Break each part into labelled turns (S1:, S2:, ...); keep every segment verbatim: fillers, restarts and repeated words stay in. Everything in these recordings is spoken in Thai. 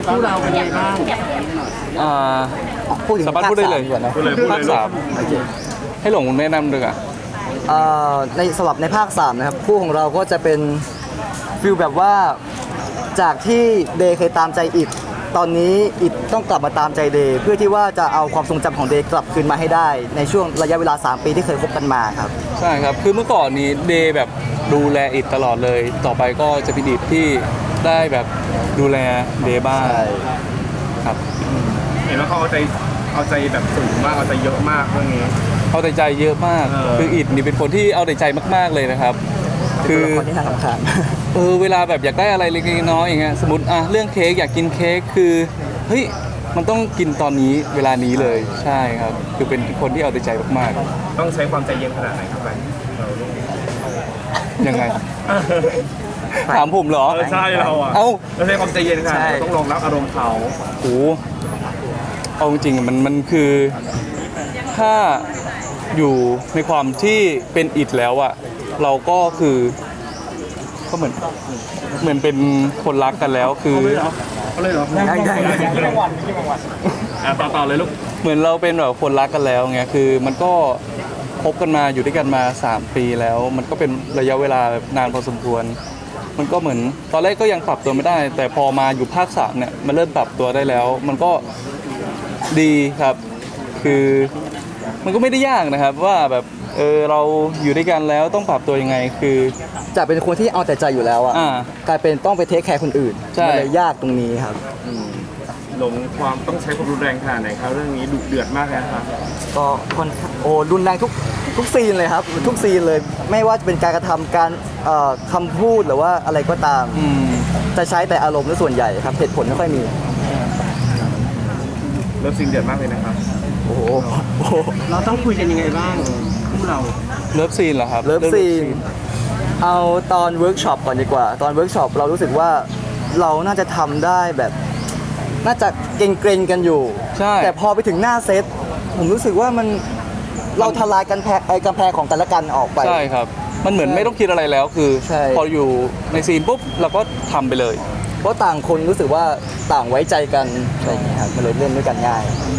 S1: คู่เราเป็นไงบ้าง
S2: อ่า
S3: พูดถึง
S2: สามารถพูดได้เลย
S3: ภาคสามก่อนนะ
S2: ภาคสามให้หลงแนะนำด้วยอ่ะ
S3: เอ่อในสำหรับในภาคสามนะครับคู่ของเราก็จะเป็นฟิลแบบว่าจากที่เดย์เคยตามใจอิดตอนนี้อิดต้องกลับมาตามใจเดย์เพื่อที่ว่าจะเอาความทรงจำของเดย์กลับคืนมาให้ได้ในช่วงระยะเวลาสามปีที่เคยคบกันมาครับ
S2: ใช่ครับคือเมื่อก่อนนี้เดย์แบบดูแลอิดตลอดเลย ต่อไปก็จะเป็นอิดที่ได้แบบดูแลเดย์บ้างครับ
S4: เห็นว่าเขาเอาใจเอาใจแบบสูงมากเอาใจเยอะมากเรื่องนี้
S2: เอาแต่ใจเยอะมาก
S4: เออ
S2: คืออิดนี่เป็นคนที่เอาแต่ใจมากๆเลยนะครับ
S3: คื
S2: คือ อ
S3: คนที่น่าสำคัญ
S2: เออเวลาแบบอยากได้อะไรเล็กๆน้อยๆอย่างเงี้ยสมมติอ่ะเรื่องเค้กอยากกินเค้กคือเฮ้ยมันต้องกินตอนนี้เวลานี้เลยใช่ครับคือเป็นคนที่เอาแต่ใจมาก
S4: ต้องใช้ความใจเย็นขนาดไหนครับแฟนเราลูก
S2: ๆยังไงถามผมเหรอ
S4: เออใช่เราอ่ะ
S2: เอ้า
S4: เราใช้ความใจเย็นขนาดไหน
S3: ใช่
S4: เราต้องรองรับอารมณ์เขา
S2: โอ้เอาจริงๆมันมันคือถ้าอยู่ในความที่เป็นอิดแล้วอะเราก็คือก็เหมือนเหมือนเป็นคนรักกันแล้วคือ
S4: เขาเลยเหรอ
S3: ได้ได้ได้
S4: อ่ะต่อต่อเลยลูก
S2: เหมือนเราเป็นแบบคนรักกันแล้วไงคือมันก็คบกันมาอยู่ด้วยกันมาสามปีแล้ว มันก็เป็นระยะเวลาแบบนานพอสมควร มันก็เหมือนตอนแรกก็ยังปรับตัวไม่ได้ แต่พอมาอยู่ภาคสามเนี่ยมันเริ่มปรับตัวได้แล้ว มันก็ดีครับ คือมันก็ไม่ได้ยากนะครับว่าแบบเออเราอยู่ด้วยกันแล้วต้องปรับตัวยังไงคือ
S3: จะเป็นคนที่เอาแต่ใจอยู่แล้วอะ
S2: อ่า
S3: กลายเป็นต้องไปเทคแคร์คนอื่น
S2: ใช่
S3: มันเลยยากตรงนี้ครับ
S4: หลงความต้องใช้ความรุนแรงขนาดไหนครับเรื่องนี้ดุเดือดมากเลยนะครับ
S3: ก็คนโอ้รุนแรงทุกทุกซีนเลยครับทุกซีนเลยไม่ว่าจะเป็นการกระทำการเอ่อคำพูดหรือว่าอะไรก็ตาม
S2: อืม
S3: จะใช้แต่อารมณ์ในส่วนใหญ่ครับเหตุผลไม่ค่อยมี
S4: เริ่มซิงเดือดมากเลยนะครับ
S3: โอ้โหโอ้โห
S1: เราต้องคุยกันยังไงบ้างคู่เรา
S2: เลิฟซีนเหรอครับ
S3: เลิฟซีนเอาตอนเวิร์กช็อปก่อนดีกว่า ตอนเวิร์กช็อปเรารู้สึกว่าเราน่าจะทำได้แบบ น่าจะเกรงๆกันอยู่
S2: ใช่
S3: แต่พอไปถึงหน้าเซตผมรู้สึกว่ามันเราทลายกันแพงไอ้กำแพงของกันและกันออกไป
S2: ใช่ครับ มันเหมือนไม่ต้องคิดอะไรแล้วคือ
S3: ใช่
S2: พออยู่ในซีนปุ๊บเราก็ทำไปเลย
S3: เพราะต่างคนรู้สึกว่าต่างไว้ใจกันอะไรอย่างเงี้ยครับมันเลยเล่นด้วยกันง่าย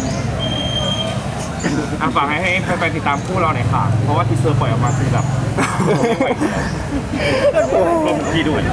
S4: อ่ะฝากให้ให้แฟนๆติดตามคู่เราหน่อยค่ะ เพราะว่าทีเซอร์ปล่อยออกมาคือแบบลงทีด้วย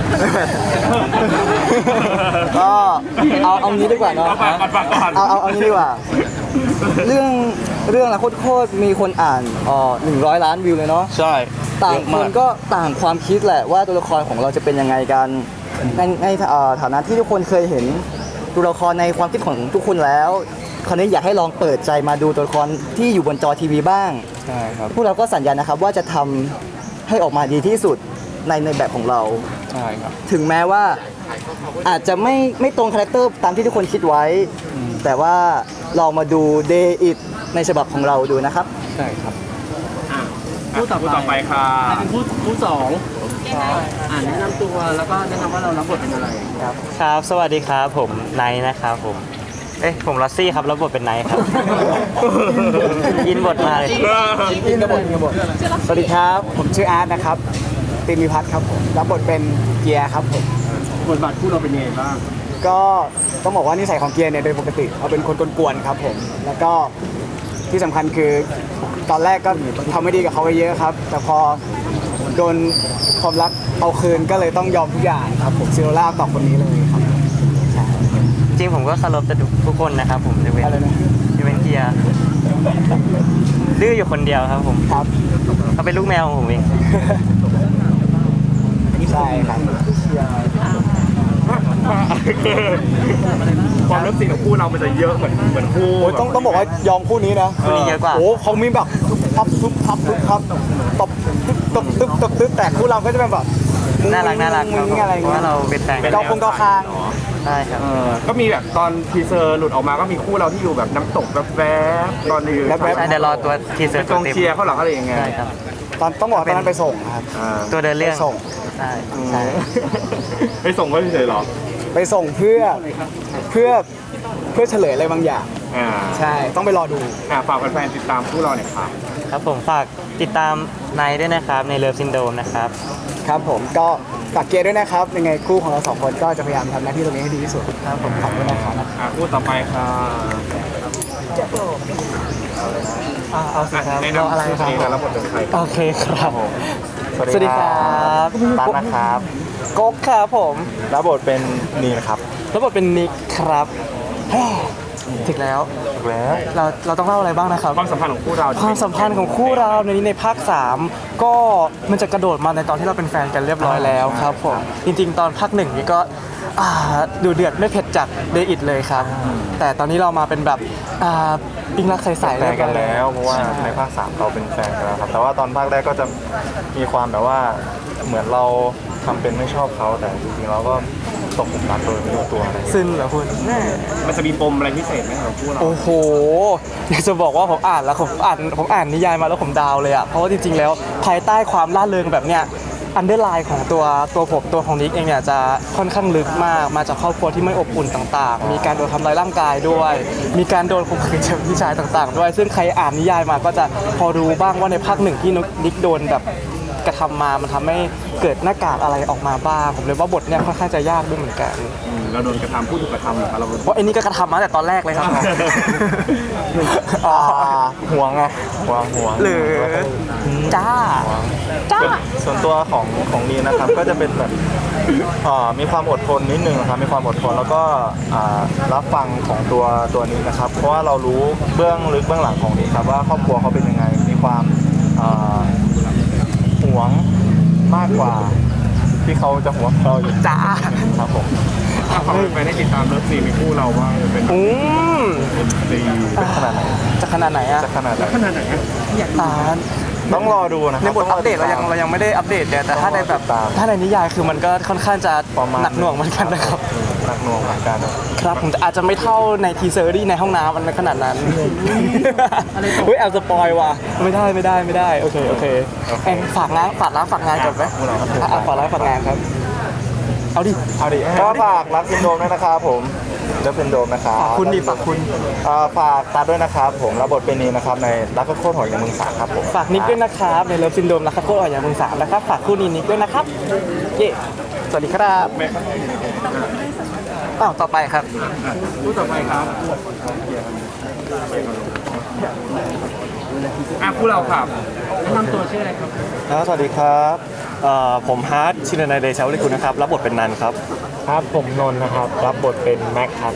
S3: ก็เอาเอางี้ดีกว่าเนาะ
S4: เอาฝากก่อนฝากก่อน
S3: เอาเอาเอางี้ดีกว่า เรื่องเรื่องละโคตรๆมีคนอ่านอ๋อหนึ่งร้อยล้านวิวเลยเนาะ
S2: ใช่
S3: ต่าง
S2: เยอะ
S3: ค
S2: มาน
S3: ก็ต่างความคิดแหละว่าตัวละครของเราจะเป็นยังไงกันในในเอ่อฐานะที่ทุกคนเคยเห็นตัวละครในความคิดของทุกคนแล้วคราวนี้อยากให้ลองเปิดใจมาดูตัวละครที่อยู่บนจอทีวีบ้าง
S2: ใช่ครับ
S3: พวกเราก็สัญญานะครับว่าจะทำให้ออกมาดีที่สุดในในแบบของเรา
S2: ใช่ครับ
S3: ถึงแม้ว่าอาจจะไม่ไม่ตรงคาแรคเตอร์ตามที่ทุกคนคิดไว้ แต่ว่าลองมาดู Day It ในฉบับของเราดูนะครับ
S2: ใช่ครับ
S1: คู่ต่อ
S4: คู่ต่อไปค่ะ
S1: ใครเป็นคู่คู่สองอ่านแนะนำตัวแล้วก็แนะนำว่าเรารับบทเป็นอะไร
S5: ครับ สวัสดีครับ ผมไนท์นะครับผม เอ๊ะ ผมลอสซี่ครับ รับบทเป็นไนท์ครับ ยินบทมาเลย
S3: อินกระบทอินกระบทสวัสดีครับ ผมชื่ออาร์ตนะครับติมิพัฒน์ครับผมรับบทเป็นเกียร์ครับผม
S1: บทบาทคู่เราเป็นยังไงบ้าง
S3: ก็ต้องบอกว่านิสัยของเกียร์เนี่ยโดยปกติเขาเป็นคนกวนๆครับผม แล้วก็ที่สำคัญคือตอนแรกก็ทำไม่ดีกับเขาไปเยอะครับ แต่พอโดนความรักเอาคืนก็เลยต้องยอมทุกอย่างครับผมซิโรล่าต่อคนนี้เลยครับใช่
S5: จริงผมก็เคารพแต่ทุกคนนะครับผมจะเป็น
S3: อะไรนะ
S5: จะเป็นเกียร์ดื้ออยู่คนเดียวครับผม
S3: ครับ
S5: เขาเป็นลูกแมวของผมเอง
S3: ใช่ครับ
S4: ความเริ่มซีนของคู่เรามันจะเยอะเหมือนเหมือนคู่
S3: โอ้ยต้องต้องบอกว่ายอมคู่นี้นะ
S5: คู่นี้เยอะกว่า
S3: โอ้เขามีแบบทับทุบทับทุบทับตบตบตึ๊บตบตึ๊บแต่คู่เราก็จะเป็นแบบมุ้ง
S5: น่ารักน่ารัก
S3: มุ้งมิ้งอะไร
S5: เพราะ
S3: เงี้
S5: ว่าย เราเป็นแฟนกัน
S3: เกาคงเกาคาง
S5: ใช่ครับ
S4: เออก็มีแบบตอนทีเซอร์หลุดออกมาก็มีคู่เราที่อยู่แบบน้ำตกแบบแวบๆตอนนี้
S3: แวบ
S5: ใช่เดี๋ยวรอตัวทีเซอร์
S4: ก
S5: ตัว
S4: อง
S5: เต็ม
S4: เชียร์เขาหลังอะไรอย่างเงี้ย
S5: ใช่ครับ
S3: ตอนต้องบอกว่าตอนนั้นไปส่งครับ
S4: อ่า
S5: ตัวเดินเรื่อง
S3: ไปส่ง
S5: ใช่
S3: ใช่
S4: ไปส่งก็เฉยๆหรอ
S3: ไปส่งเพื่อเพื่อเพื่อเฉลยอะไรบางอย่าง
S4: อ่า
S3: ใช่ต้องไปรอดู
S4: อ่าฝากแฟนๆติดตามคู่เราหน่อยครับ
S5: ครับผมฝากติดตามไนท์ด้วยนะครับในเลิฟซินโดมนะครับ
S3: ครับผมก็ฝากเกียร์ด้วยนะครับยังไงคู่ของเราสองคนก็จะพยายามทำหน้าที่ตรงนี้ให้ดีที่สุดครับผมขอบคุณนะครับ
S4: อ่าคู่ต่อไปค่ะ
S5: เอาสิครับ
S4: แนะนำชื่อเพลงและรับบทเป็นใครครับ
S5: โอเคครับ
S3: สวัสดีครับ
S5: ตันนะครับก๊กครับผมรับบทเป็นนีนะครับรับบทเป็นนิกครับแฮ่ถึงแล้วถึงแล้วเราเราต้องเล่าอะไรบ้างนะครับ
S4: ความสัมพันธ์ของคู่เรา
S5: ความสัมพันธ์ของคู่เราในนี้ในภาคสามก็มันจะกระโดดมาในตอนที่เราเป็นแฟนกันเรียบร้อยแล้วครับผมจริงๆ ตอนภาคหนึ่งนี่ก็อ่าดูเดือดไม่เผ็ดจากเดอิดเลยครับ แต่ตอนนี้เรามาเป็นแบบอ่าปิงรักใสๆ
S6: แฟนกันแล้วเพราะว่าในภาคสามเราเป็นแฟนกันแล้วครับแต่ว่าตอนภาคแรกก็จะมีความแบบว่าเหมือนเราทำเป็นไม่ชอบเขาแต่จริงๆเราก็ตกหลุมรักโดยไม่รู้ตัวอะไรอย่างเงี้ย
S5: ซึ่งเหรอคุณแม่
S4: มันจะมีปมอะไรพิเศษไหมของคู่เรา
S5: โอ้โหอยากจะบอกว่าผมอ่านแล้วผมอ่านผมอ่านนิยายมาแล้วผมดาวเลยอ่ะเพราะว่าจริงๆแล้วภายใต้ความล่าเริงแบบเนี้ยอันเดอร์ไลน์ของตัวตัวผมตัวของนิกเองเนี่ยจะค่อนข้างลึกมากมาจากครอบครัวที่ไม่อบอุ่นต่างๆ มีการโดนทำร้ายร่างกายด้วย มีการโดนข่มขืนจากพี่ชายต่างๆ ด้วย ซึ่งใครอ่านนิยายมาก็จะพอรู้บ้างว่าในภาคหนึ่งที่นิกโดนแบบกระทำมามันทำให้เกิดหน้ากากอะไรออกมาบ้างผมเลยว่าบทเนี่ยค่อนข้างจะยากด้วยเหมือนกัน
S4: อืมเราโดนกระทำผู้ถูกกระทำเหรอครับเรา
S5: เพราะไอ้นี่ก็กระทำมาตั้งแต่ตอนแรกเลยครับ อ๋อ
S6: ห่วงไงห่วงห่วง
S5: หรือจ้าจ้า
S6: ส่วนตัวของของนีนะครับ ก็จะเป็นแบบอ่ามีความอดทนนิดนึงนะครับมีความอดทนแล้วก็อ่ารับฟังของตัวตัวนี้นะครับ เพราะว่าเรารู้เบื้องลึกเบื้องหลังของนี้ครับว่าครอบครัวเขาเป็นยังไงมีความอ่าห่วงมากกว่าที่เขาจะห่วงเราอยู่
S5: จ้า
S6: ครับผม
S4: ถ้าเขาไปได้ติดตามเลิฟซีนในคู่เราว่าเป็น
S5: อืม
S4: ซีน
S6: เป็นขนาดไหน
S5: จะขนาดไหนอะ
S6: จะขนาดไหน
S4: ขนาดไหนอะ
S5: อ่า
S6: ต้องรอดูนะค
S5: ใน
S6: รับบ
S5: ทอัปเดตเรายังเรายังไม่ได้อัปเดตเนี่ยแต่ถ้าในแบบถ้าในนิยายคือมันก็ค่อนข้างจะ
S6: ประมาณ
S5: หนักหน่วงเหมือนกันนะครับ
S6: หนักหน่วงเหมือนกัน
S5: ครับผมแต่อาจจะไม่เท่าในทีเซอร์ที่ในห้องน้ำมันขนาดนั้นเฮ้ยแอบสปอยว่ะไม่ได้ไม่ได้ไม่ได้โอเคโอเคแองฝากงานฝากร้านฝากงานก่อนไหมอ่ะอ่ะฝากร้านฝากงานครับเอาดิ
S6: เอาดิก็ฝากรักซินโดมด้วยนะครับผมเลิฟซินโดมนะครับ
S5: ฝากคุณดิฝากคุณ
S6: เอ่อฝากตัดด้วยนะครับผมรับบทเป็นนีนะครับในรักก็โคตรหอยในเมืองสามครับผม
S5: ฝากนิกด้วยนะครับในเลิฟซินโดมนะครับโคตรอ่อนอย่างมึงสามนะครับฝากคู่นี้นิกด้วยนะครับเย่สวัสดีครับอ้าวต่อไปครับ
S4: คู่ต่อไปครับอ่ะคู่เราครับแนะนำตัวชื่ออะไรครับ
S6: ครับสวัสดีครับเอ่อผมฮาร์ดชินนายเดชาวลิคุณนะครับรับบทเป็นนันครับครับผมนนท์นะครับรับบทเป็นแม็กครับ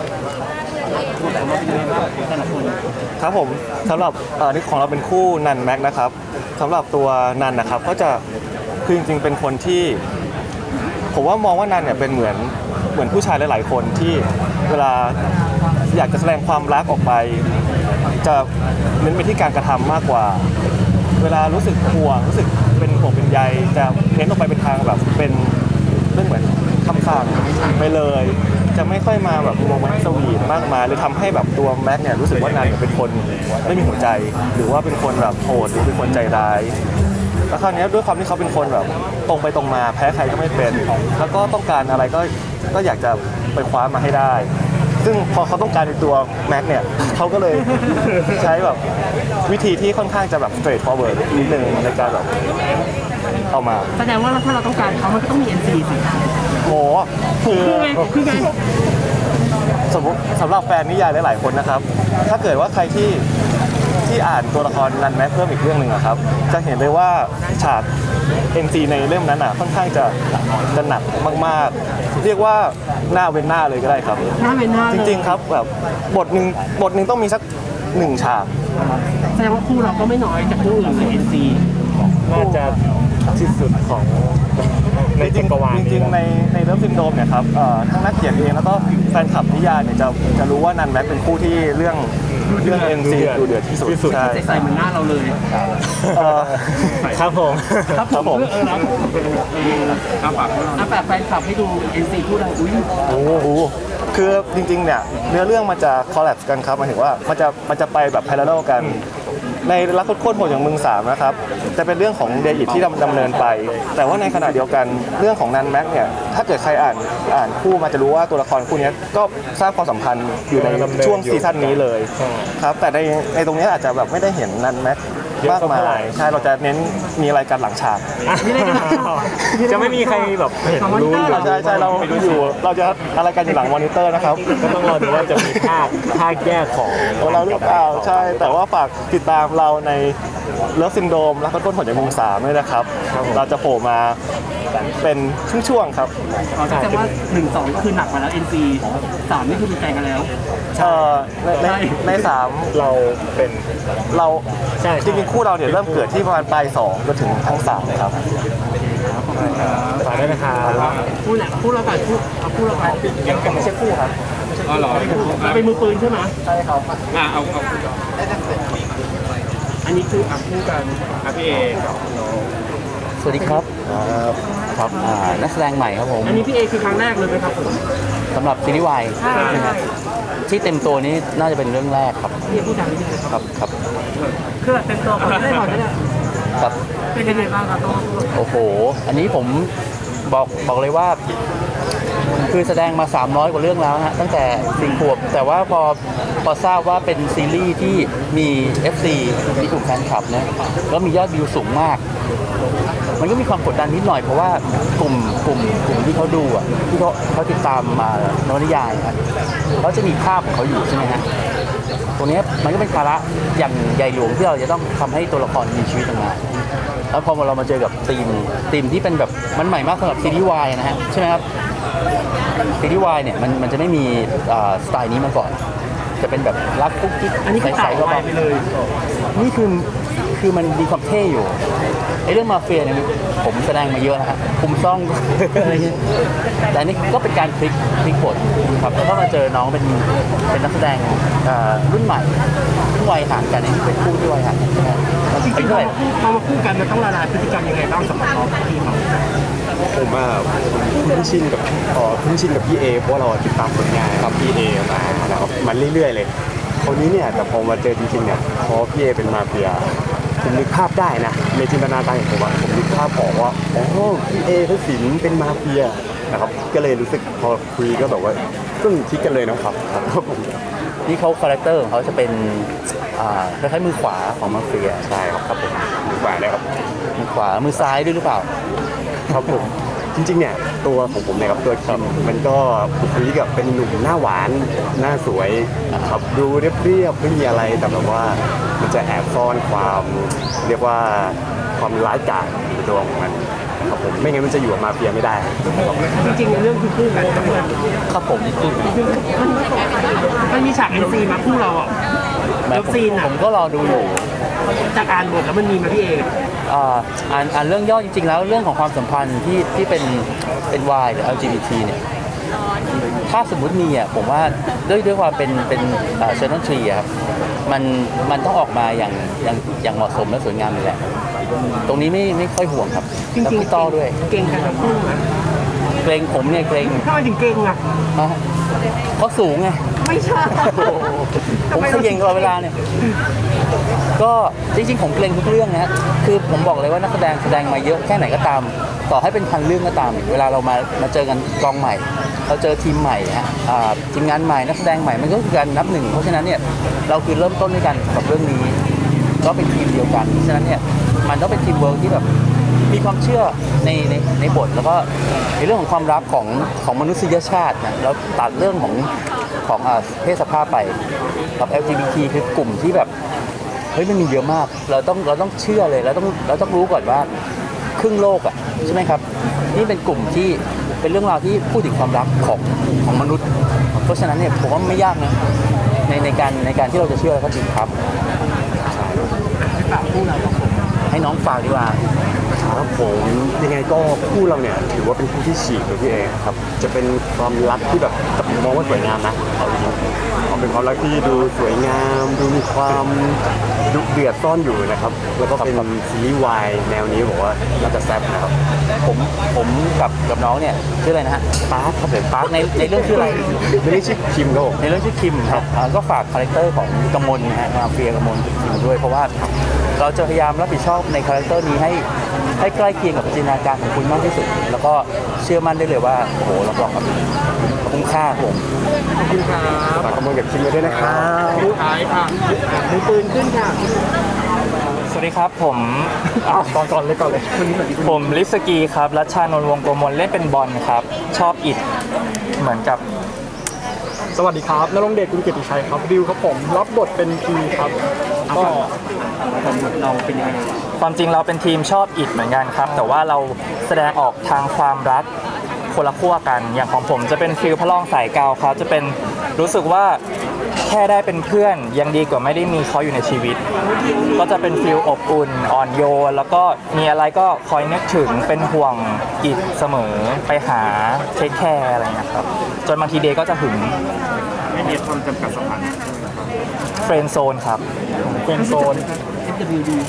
S6: ครับผมสำหรับเอ่อนี่ของเราเป็นคู่นันแม็กนะครับสำหรับตัวนันนะครับก็จะคือจริงๆเป็นคนที่ผมว่ามองว่านันเนี่ยเป็นเหมือนเหมือนผู้ชายหลายๆคนที่เวลาอยากจะแสดงความรักออกไป จะเน้นไปที่การกระทำมากกว่า เวลารู้สึกห่วงรู้สึกเป็นห่วงเป็นใยจะเน้นออกไปเป็นทางแบบเป็นเรื่องเหมือนคำสั่งไปเลย จะไม่ค่อยมาแบบโรแมนต์สวีทมากมายเลยทำให้แบบตัวแม็กเนี่ยรู้สึกว่านันเนี่ยเป็นคนไม่มีหัวใจ หรือว่าเป็นคนแบบโหดหรือเป็นคนใจร้ายแล้วคราวนี้ด้วยความที่เขาเป็นคนแบบตรงไปตรงมาแพ้ใครก็ไม่เป็น แล้วก็ต้องการอะไรก็ก็อยากจะไปคว้ามาให้ได้ ซึ่งพอเขาต้องการในตัวแม็กเนี่ยเขาก็เลยใช้แบบวิธีที่ค่อนข้างจะแบบ straight forward นิดนึงในการแบบเอามา
S1: แสดงว่าถ้าเราต้องการเขามันก็ต้องมี เอ็น ซี สิ
S6: โหคือ
S1: คือไง
S6: สมมติสำหรับแฟนนิยายหลายๆคนนะครับ ถ้าเกิดว่าใครที่ที่อ่านตัวละครนันแม็กเพิ่มอีกเรื่องหนึ่งอะครับ จะเห็นเลยว่าฉาก เอ็น ซี ในเล่มนั้นอ่ะค่อนข้างจะจะหนักมากๆ เรียกว่าหน้าเว้นหน้าเลยก็ได้ครับ
S1: หน้าเป็นหน้า
S6: จริงๆครับแบบบทหนึ่งบทหนึ่งต้องมีสักหนึ่งฉาก
S1: แสดงว่าคู่เราก็ไม่น้อยจากคู่อื่นเลย เอ็น ซี
S6: น่าจะที่สุดของในจักรวาลจริงๆในในเรื่องซินโดรมเนี่ยครับเอ่อทั้งนักเขียนเองแล้วก็แฟนคลับนิยายเนี่ยจะจะรู้ว่านันแม็กเป็นคู่ที่เรื่องเรื่อง เอ็น ซี ดูเดือดที่สุดใช่
S1: ใส่เหมือนหน้าเราเลย
S6: เอ่อครับผม
S1: ครับผมเออแล้วอาฝากอาฝากแฟนคลับให้ดู เอ็น ซี คู่เราอุ้ย
S6: โอ้โหคือจริงๆเนี่ยเนื้อเรื่องมันจะคอลแลบกันครับหมายถึงว่ามันจะมันจะไปแบบพาราเลลกันในรักโคตรโหดอย่างมึงสามนะครับจะเป็นเรื่องของเดอิทที่ดำดำเนินไป แต่ว่าในขณะเดียวกันเรื่องของนันแม็กเนี่ยถ้าเกิดใครอ่านอ่านคู่มาจะรู้ว่าตัวละครคู่นี้ก็สร้างความสัมพันธ์อยู่ในช่วงซีซั่นนี้เลยครับแต่ในในตรงนี้อาจจะแบบไม่ได้เห็นนันแม็กมากมายใช่เราจะเน้นมีอะไรกันหลังฉาก
S5: จะไม่มีใครแบบเห็นรู้
S6: ใช่ใช่เราอยู่เราจะอะไรกันอยู่หลังมอนิเตอร์นะครับ
S5: ก็ต้องรอดูว่าจะมีภาคภาคแยกของ
S6: ของเราหรือเปล่าใช่ แต่ว่าฝากติดตามเราในเลิฟซินโดมและต้นผลจากมุงสามด้วยนะครับ เราจะโผล่มาเป็นช่วงๆครับ
S1: อ๋อแสดงว่าหนึ่งสองคือหนักกว่าแล้ว เอ็น ซี สามนี่คือเป็นแฟนกันแล้ว
S6: เอ่อในในในสาม
S5: เราเป็น
S6: เรา
S5: ใช่
S6: จริงๆคู่เราเนี่ยเริ่มเกิดที่ประมาณปลายสองจนถึงทั้งสามเลยครับ
S5: ฝากด้วยนะครับ
S1: พูดแหละพูดเราก่อนพูดเอาพูดเราก่อน
S6: ยังยังไม่ใช่คู่ครับ
S4: อ๋อเหรอ
S1: เราเป็นมือปืนใช่ไหม
S6: ใช่ครับ
S4: อ่ะเอาเอา
S1: อันนี้คือ
S4: อ่ะคู่กันอ่ะพี่เอกับ
S7: สวัสดีครับครับอ่านักแสดงใหม่ครับผม
S1: อันนี้พี่เอคือครั้งแรกเลยไหมครับผม
S7: สำหรับซีรีส์วาย
S1: ใช่ใช่
S7: ที่เต็มตัวนี้น่าจะเป็นเรื่องแรกครับ
S1: พี่พูดดังนิดนึง
S7: ครับครับ
S1: คือเต็มตัวก่อนได้ก่อนได้
S7: ครับ
S1: เป็นยังไงบ้างครับต้องพูด
S7: โอ้โห อันนี้ผมบอกบอกเลยว่า คือแสดงมาสามร้อยกว่าเรื่องแล้วนะฮะตั้งแต่สี่ขวบแต่ว่าพอพอทราบว่าเป็นซีรีส์ที่มี เอฟ ซี มีกลุ่มแฟนคลับนะแล้วมียอดวิวสูงมาก มันก็มีความกดดันนิดหน่อยเพราะว่ากลุ่มกลุ่มกลุ่มที่เขาดูอ่ะที่เขาเขาติดตามมานวนิยายครับเขาจะมีภาพของเขาอยู่ใช่ไหมฮะตรงนี้มันก็เป็นภาระอย่างใหญ่หลวงที่เราจะต้องทำให้ตัวละครมีชีวิตออกมาแล้วพอเรามาเจอกับธีมธีมที่เป็นแบบมันใหม่มากสำหรับซีรีส์วายนะฮะใช่ไหมครับซีรีส์วายเนี่ยมันมันจะไม่มีอ่าสไตล์นี้มาก่อน จะเป็นแบบรักกุ๊กกิ๊ก
S1: อันนี้คือ
S7: ใส
S1: ต่าง
S7: ๆก็
S1: วายไปเลย
S7: นี่คือคือมันมีความเท่อยู่ไอ้เรื่องมาเฟียเนี่ยผมแสดงมาเยอะนะฮะคุมซ่อง อะไรเงี้ยแต่อันนี่ก็เป็นการพลิกพลิกบทครับแล้วก็มาเจอน้องเป็นเป็นนักแสดงเอ่อรุ่นใหม่ซึ่งวัยห่างกันนี่เป็นคู่ที่วัยห่างกันใช่ไหม
S1: จริงๆ
S7: อายุ
S1: พอ
S7: เท่าไหร่
S1: มาคู่พอมาคู่กันมันต้องละลายพฤติกรรมยังไงบ้างสำหรับน้องพี่เขา
S3: ผมว่าคุ้นชินกับเอ่อคุ้นชินกับพี่เอเพราะว่าเราติดตามผลงานครับพี่เอมาแล้วมันเรื่อยๆเลยคนนี้เนี่ยแต่พอมาเจอจริงๆเนี่ยพอพี่เอเป็นมาเฟียผมนึกภาพได้นะในจินตนาการของผมอะผมนึกภาพออกว่าอ๋อพี่เอพระสินเป็นมาเฟียนะครับก็เลยรู้สึกพอคุยก็แบบว่าก็คิดกันเลยนะครับครับผม
S7: นี่เขาคาแรคเตอร์ของเขาจะเป็นอ่าคล้ายๆมือขวาของมาเฟีย
S3: ใช่ครับครับผมดีกว่าเลยครับ
S7: มือขวามือซ้ายด้วยหรือเปล่า
S3: ครับผมจริงๆเนี่ยตัวของผมเนี่ยครับตัวคิมมันก็บุคลิกแบบเป็นหนุ่มหน้าหวานหน้าสวยครับดูเรียบๆไม่มีอะไรแต่แบบว่ามันจะแอบซ่อนความเรียกว่าความร้ายกาจในตัวของมันครับผมไม่งั้นมันจะอยู่กับมาเฟียไม่ได้ครับ
S1: จริงๆในเรื่องคือคู่กันทั้งหมด
S7: ครับผมคือ
S1: มันมีฉาก เอ็น ซี มาคู่เราอ่ะ
S7: แม้
S1: เลิฟ
S7: ผม
S1: ซีนอ่ะ
S7: ผมก็รอดูอยู่
S1: จากอ่านบทแล้วมันมีมาพี่เอ
S7: อ่าอ่านอ่านเรื่องย่อจริงๆ แล้วเรื่องของความสัมพันธ์ที่ที่เป็นเป็น Y หรือ แอล จี บี ที เนี่ยถ้าสมมุติมีอ่ะผมว่าด้วยด้วยความเป็นเป็นเชนนอลทรีอะครับมันมันต้องออกมาอย่างอย่างอย่างเหมาะสมและสวยงามเลยแหละตรงนี้ไม่ไม่ค่อยห่วงครับ
S1: จริ
S7: แล้ว
S1: ง
S7: พี่ต้อด้วย
S1: ๆเก่งกันทั้งคู่นะ
S7: เกรงผมเนี่ยเกรง
S1: ทำไมถึงเก่งอ่ะ
S7: ฮะเขาสูงไง
S1: ไม่ใช่
S7: ผมเขย่งตลอดเวลาเนี่ย ก็จริงๆผมเกรงทุกเรื่องนะฮะคือผมบอกเลยว่านักแสดงแสดงมาเยอะแค่ไหนก็ตาม ต่อให้เป็นพันเรื่องก็ตาม เวลาเรามามาเจอกันกองใหม่ เราเจอทีมใหม่ฮะอ่าทีมงานใหม่นักแสดงใหม่มันก็คือการนับหนึ่ง เพราะฉะนั้นเนี่ยเราคือเริ่มต้นด้วยกันกับเรื่องนี้ ก็เป็นทีมเดียวกัน ฉะนั้นเนี่ยมันต้องเป็นทีมเวิร์กที่แบบมีความเชื่อในในในบทแล้วก็ในเรื่องของความรักของของมนุษยชาตินะแล้วตัดเรื่องของของอ่าเพศสภาพไปกับ แอล จี บี ที คือกลุ่มที่แบบเฮ้ยมันมีเยอะมาก เราต้องเราต้องเชื่อเลยเราต้องเราต้องรู้ก่อนว่าครึ่งโลกอ่ะใช่ไหมครับนี่เป็นกลุ่มที่เป็นเรื่องราวที่พูดถึงความรักของของมนุษย์ เพราะฉะนั้นเนี่ยผมว่าไม่ยากนะในในการในการที่เราจะเชื่อแล้วก็จริงครับ
S1: ฝากคู่เราสองคน
S7: ให้น้องฝากดีกว่า
S8: ครับผมยังไงก็คู่เราเนี่ยถือว่าเป็นคู่ที่ฉีกเลยพี่เอครับจะเป็นความรักที่แบบผมมองว่าสวยงามนะเอาจริงๆเป็นความรักที่ดูสวยงาม ดูมีความดุเดือดซ่อนอยู่นะครับแล้วก็เป็นซีรีส์วายแนวนี้บอกว่าน่าจะแซ่บนะครับ
S7: ผมผมกับกับน้องเนี่ยชื่ออะไรนะฮะปาร์คครับผมปาร์คในในเรื่องชื่ออะไร
S8: ไม่ได้ชื่อคิมครับผม
S7: ในเรื่องชื่อคิมครับอ่าก็ฝากคาแรคเตอร์ของกมลนะฮะมาเฟียกมลคิมด้วยเพราะว่าเราจะพยายามรับผิดชอบในคาแรคเตอร์นี้ให้ให้ใกล้เคียงกับจินตนาการของคุณมากที่สุด แล้วก็เชื่อมั่นได้เลยว่าโอ้โหรับรองครับคุ้มค่าครับผม
S8: ฝากกำลังกับคิมไว้ด้วยนะครับ
S1: ท้ายค่ะมือปืนขึ้นค่ะ
S5: สวัสดีครับผมก่อนก่อนเลยก่อนเลยผมลิฟสกีครับรัชชานนท์วงศ์โกมลเล่นเป็นบอลครับชอบอิดเหมือนกับ
S3: สวัสดีครับนรงค์เดชกุลเกียรติชัยครับดิวครับผมรับบทเป็นพีครับก็
S1: เราเป็นยังไง
S5: ความจริงเราเป็นทีมชอบอิดเหมือนกันครับ แต่ว่าเราแสดงออกทางความรักคนละขั้วกัน อย่างของผมจะเป็นฟิลพระรองสายเกาครับจะเป็นรู้สึกว่าแค่ได้เป็นเพื่อนยังดีกว่าไม่ได้มีเขาอยู่ในชีวิต ก็จะเป็นฟิลอบอุ่นอ่อนโยนแล้วก็มีอะไรก็คอยนึกถึงเป็นห่วงอิดเสมอไปหาเทคแคร์อะไรอย่างเงี้ยครับจนบางทีเดย์ก็จะหึง
S4: ไม่มีความจำกัดสถานะ
S5: เฟรนด์โซนครับ
S3: เป็นโซน
S1: เอฟ ดับเบิลยู ดี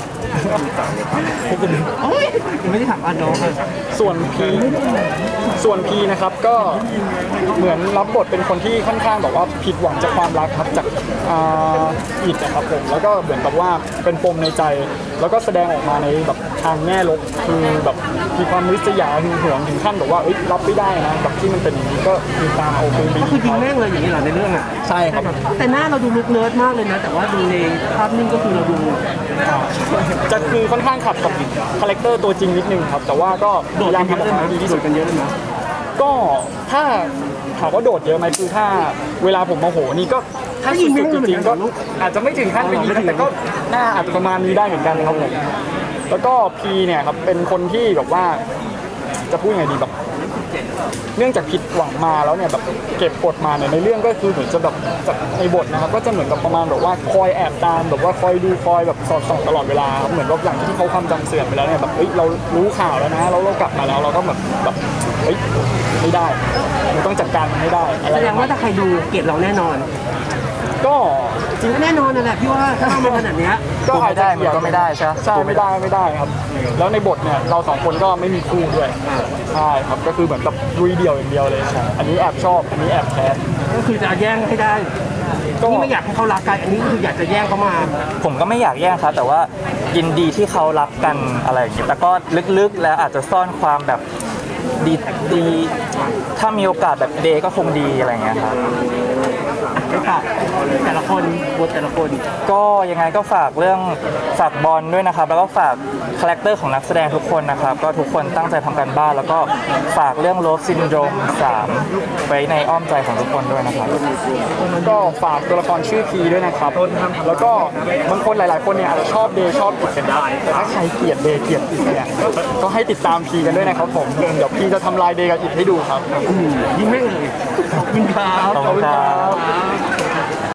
S1: โอ้ยยังไม่ได้ถามอาน้องเลย
S3: ส่วนพีส่วนพีนะครับก็เหมือนรับบทเป็นคนที่ค่อนข้างแบบว่าผิดหวังจากความรักครับจากอ่าอิดนะครับผมแล้วก็เหมือนกับว่าเป็นปมในใจ แล้วก็แสดงออกมาในแบบทางแง่ลบคือแบบมีความริษยาหึงหวงถึงขั้นแบบว่าเอ้ยรับไม่ได้นะแบบที่มันเป็นอย่างนี้ก็มีตามเอาปืนไป
S1: ก็คือยิงแม่งเลยอย่างนี้เหรอในเรื่องอ่ะ
S3: ใช่ครับ
S1: แต่หน้าเราดูลุกเนิร์ดมากเลยนะ แต่ว่าดูในภาพนิ่งก็คือเราดู
S3: จะคือค่อนข้างขัดกับคาแรคเตอร์ตัวจริงนิดนึงครับ แต่ว่าก็พ
S1: โดด
S3: ยายาม
S1: กันเย
S3: ทำอ
S1: อะ
S3: อก
S1: เลยนะ
S3: มาให้ดีที่
S1: โด
S3: สุด
S1: ดกันเยอะเลยนะ
S3: ก็ถ้าถามว่าโดดเยอะไหมคือถ้าเวลาผมโมโหนี่ก็ถ้าสุดๆจริงๆก็อาจจะไม่ถึงขั้นเป็นอย่างนี้แต่ก็น่าอาจจะประมาณนี้ได้เหมือนกันครับผมแล้วก็พีเนี่ยครับเป็นคนที่แบบว่าจะพูดไงดีแบบเนื่องจากผิดหวังมาแล้วเนี่ยแบบเก็บกดมาเนี่ยในเรื่องก็คือเหมือนจะแบบจากในบทนะครับก็จะเหมือนกับประมาณแบบว่าคอยแอบตามแบบว่าคอยดูคอยแบบสอดส่องตลอดเวลาครับเหมือนว่าอย่างที่เขาความจำเสื่อมไปแล้วเนี่ยแบบเฮ้ยเรารู้ข่าวแล้วนะเราเรากลับมาแล้วเราก็แบบแบบเฮ้ยไม่ได้เราต้องจัดการมันให้ได้อะไร
S1: แสดงว่าถ้าใครดูเกลียดเราแน่นอน
S3: ก็จ
S1: จ
S3: ริ
S1: ริ
S3: ง
S1: งก็แน่นอนนั่นแหละพี่ว่าถ้าเรามาขนาดเนี้ย
S3: ก็อาจจะ
S5: มันก็ไม่ได้ใช่ไหม
S3: ใช่ไม่ได้ไม่ได้ครับ แล้วในบทเนี่ยเราสองคนก็ไม่มีคู่ด้วยใช่ครับก็คือเหมือนกับลุยเดี่ยวอย่างเดียวเลย อันนี้แอบชอบอันนี้แอบแค้น
S1: ก็คือจะแย่งให้ได้
S3: ก็
S1: นี่ไม่อยากให้เขารักกันอันนี้คืออยากจะแย่งเขามา
S5: ผมก็ไม่อยากแย่งครับ แต่ว่ายินดีที่เขารักกันอะไรอย่างเงี้ยแต่ก็ลึกๆแล้วอาจจะซ่อนความแบบดีดีถ้ามีโอกาสแบบเดย์ก็คงดีอะไรอย่างเงี้ยครับ
S1: ไปฝากแต่ละคนบทแต่ละคน
S5: ก็ยังไงก็ฝากเรื่องฝากบอลด้วยนะครับ แล้วก็ฝากคาแรคเตอร์ของนักแสดงทุกคนนะครับ ก็ทุกคนตั้งใจทำการบ้าน แล้วก็ฝากเรื่องโลฟซินโดรมสามไว้ในอ้อมใจของทุกคนด้วยนะครับ
S3: ก็ฝากตัวละครชื่อพีด้วยนะครับ แล้วก็บางคนหลาย ๆ คนเนี่ยอาจจะชอบเดย์ชอบอิดกันได้ แต่ถ้าใครเกลียดเดย์เกลียดอิดเนี่ยก็ให้ติดตามพีกันด้วยนะครับผมเดี๋ยวพีจะทำลายเดย์กับอิดให้ดูครับ
S1: ยิงแม่งเลยขอบคุณครับ
S5: ขอบคุณครับ